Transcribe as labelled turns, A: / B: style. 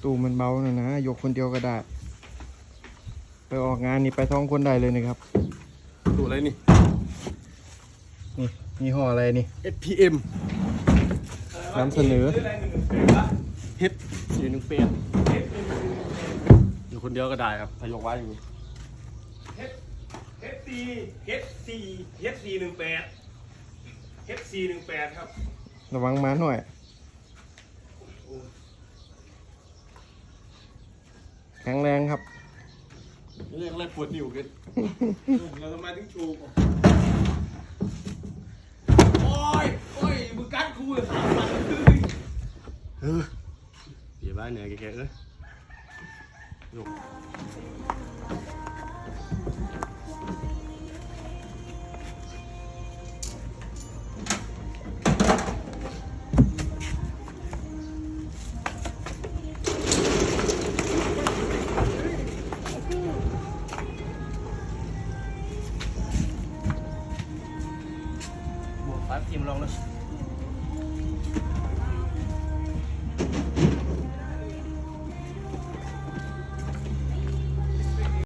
A: ตู้มันเบาหน่อยนะยกคนเดียวก็ได้ไปออกงานนี่ไป2 คนได้เลยนะครับ
B: ตู้อะไรนี่
A: นี่ยี่ห้ออะไรนี่
B: SPM
A: นำเสนอ
B: เฮ็ด418อยู่คนเดียวก็ได้ครับถ้ายกไว้อย่างนี้
C: H418ครับ
A: ระวังมาหน่อยแข็งแรงครับ
B: เรียกอะไรปวดนิ้วกัน
C: เราทำไมถึงชูโอ้ยมึงกัดกูเลย
B: เดี๋ยวบ้านเหนื่อยแกเอ้ยยก
A: บวก5 ทีมลองเลย